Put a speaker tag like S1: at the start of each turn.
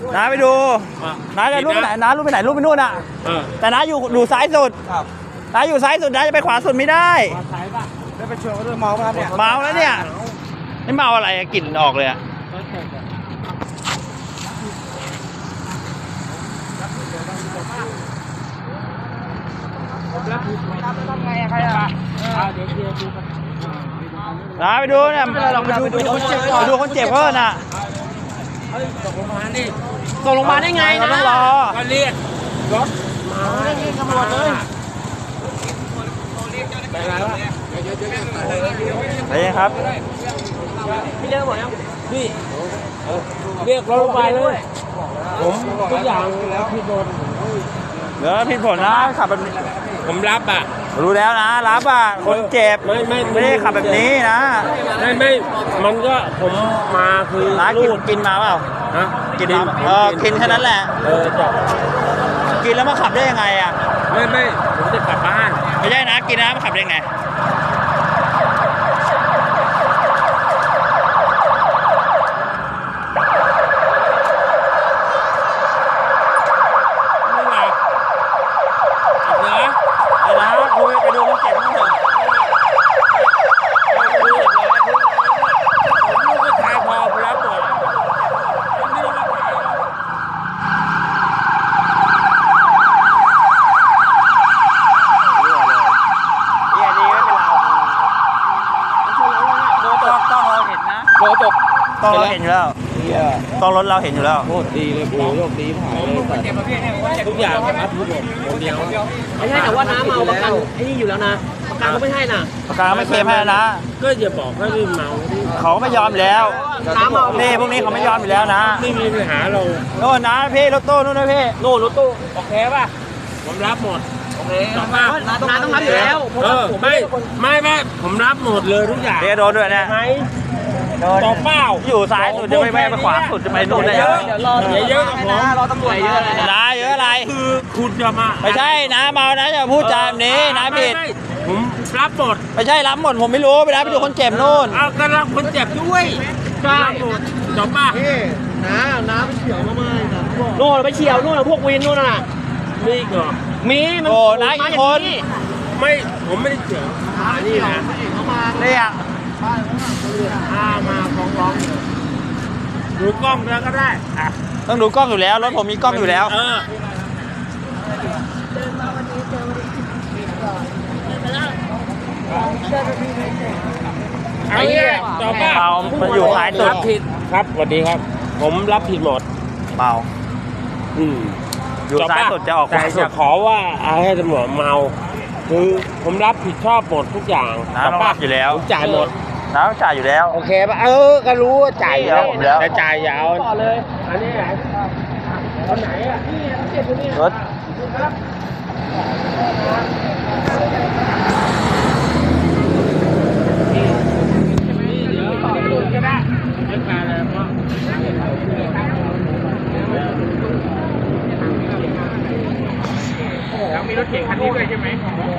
S1: น้าไปดูน้าจะรูปไปไหนน้ารูปไปไหนรูปไปนู่นอ่ะแต่น้าอยู่ซ้ายสุดน้าอยู่ซ้ายสุดน้าจะไปขวาสุดไม่ได้
S2: ได้ไปชวนเขาด้วยเมาครับเนี่ย
S1: เมาแล้วเนี่ยไม่เมาอะไรกลิ่นออกเลยอ่ะน้าไปดูเนี่ยไปดูคนเจ็บเพิ่นน่ะ
S3: ส่งลงมาได้ไงนะ
S1: ต้องรอ
S2: ก็เรียกรถมาได้ไงตำรวจเลยไปไหนวะ
S1: ไปครับ
S3: พี่เลิกหมดยัง
S2: พี่เรียกรถไปเลยผมทุกอย่างแล้วพี่โดน
S1: เดี๋ยวผิดผลนะขับแบบนี้
S2: ผมรับอ่ะ
S1: รู้แล้วนะรับอ่ะคนเจ็บไม่ได้ขับแบบนี้นะ
S2: ไม่มันก็ผมมาคือ
S1: น้ากินมาเปล่า
S2: ฮะ
S1: กินกินแค่นั้นแหละกินแล้วมาขับได้ยังไงอ่ะ
S2: ไม่ผมจะกลับบ้าน
S1: ไม่ใช่นะกินนะมาขับได้ยังไงไปดูคนเจ็บมั้งเถอะ
S2: ลูกก็ถ่ายพอไปแล้วหมด
S1: ดีไม่เป็นเราต้องเราเห็นนะ
S2: โดนตก
S1: ต้องเราเห็นอยู่แล้วต้องรถเราเห็นอยู่แล้ว
S2: โคตรดีเลยโอ้โชคดีผ่านเลยทุกอย่างครับทุกคนคนเดียว
S3: ไม่ใช่แต่ว่าน้าเมาประกันไอ้นี่อยู่แล้วนะประกันก็ไม่ให้น่ะ
S1: ประกันไม่เคลมให้นะ
S2: ก็อย่าบอกให้ไม่เมา
S1: เขาไม่ยอมแล้ว
S3: น้าเมา
S1: พี่พวกนี้เขาไม่ยอมอยู่แล้วนะ
S2: ไม่มีปัญหาเรา
S1: โน่นนะพี่รถตู้นู่นนะพี่
S3: นู่นรถตู้
S2: โอเคป่ะผมรับหมด
S3: โอเคน้าต้องรับอยู่แล้ว
S2: ไม่ผมรับหมดเลยทุกอย่าง
S1: เดี๋ยวโดนด้วยนะ
S2: ต่อเป้า
S1: อยู่ซ้ายสุดจะไม่ไปขวาสุดจะไปนู่นได้ยัง
S2: เยอะนะ
S3: รอตำรวจเยอะเลย
S1: นะเยอะอะไร
S2: คือคุณจะมา
S1: ไม่ใช่นะเมานะจะพูดจาแบบนี้นะผิด
S2: ผมรับหมด
S1: ไม่ใช่รับหมดผมไม่รู้ไปรับไปดูคนเจ็บนู่น
S2: เอาก็รับคนเจ็บด้วย
S3: ใช่
S2: ต่อป้า
S3: น้าไปเฉียวมาโน่นไปเฉียวนู่นพวกวินนู่นน่ะ
S2: มีเหรอ
S3: มี
S1: โอ้นายกี่คน
S2: ไม่ผมไม่ได้เฉียวนี่นะ
S1: เนี่ย
S2: มาฟ้องดูกล้องแล้วก็ได้
S1: ต้องดูกล้องอยู่แล้วรถผมมีกล้องอยู่แล้ว
S2: ไอ้เนี่ยต่อป้า
S1: มันอยู่ท้ายสุด
S2: ผิดครับสวัสดีครับผมรับผิดหมด
S1: เมาอยู่ท้ายสุดจะออก
S2: แต่จะขอว่าให้ตำรวจเมาคือผมรับผิดชอบหมดทุกอย่าง
S1: ต้องรับอยู่แล้ว
S2: จ่ายหมด
S1: น้าจ่ายอยู่แล้ว
S2: โอเคป่ะก็รู้ว่าจ่ายแล้วแต่จ่ายยาว
S3: ต่อเลยอันนี้ไหน
S2: คนไหนอ่ะ
S1: รถ
S2: แล้วมีรถเก๋งคันนี้ด้วยใช่ไหม